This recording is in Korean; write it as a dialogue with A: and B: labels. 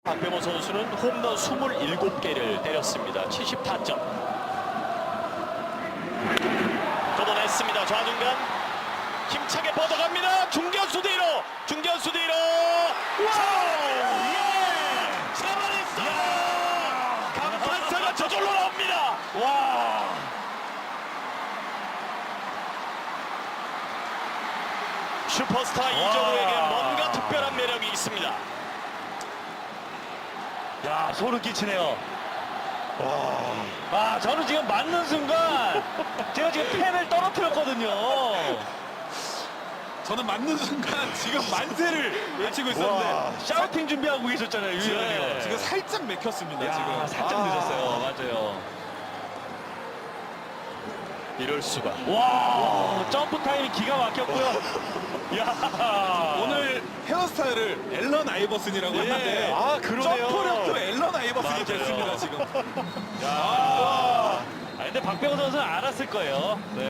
A: 박병호 선수는 홈런 27개를 때렸습니다. 70타점. 걷어냈습니다. 좌중간 힘차게 뻗어갑니다. 중견수 뒤로. 중견수 뒤로. 잡아냈어요. 감탄사가 저절로 나옵니다.
B: 와.
A: 슈퍼스타 이정우에게 뭔가 특별한 매력이 있습니다.
B: 야, 소름 끼치네요. 아, 저는 지금 맞는 순간 제가 지금 펜을 떨어뜨렸거든요.
C: 저는 맞는 순간 지금 만세를 외치고 있었는데
B: 샤우팅 준비하고 계셨잖아요, 유일하게.
C: 지금 살짝 맥혔습니다.
B: 야,
C: 지금
B: 살짝 늦었어요. 맞아요.
A: 이럴 수가.
B: 와, 점프 타임이 기가 막혔고요. 야,
C: 오늘 헤어스타일을 앨런 아이버슨이라고
B: 예.
C: 했는데
B: 아, 그러네요.
C: 점프력도 앨런 아이버슨이
B: 맞아요.
C: 됐습니다. 지금.
B: 아, 근데 박병호 선수는 알았을 거예요. 네.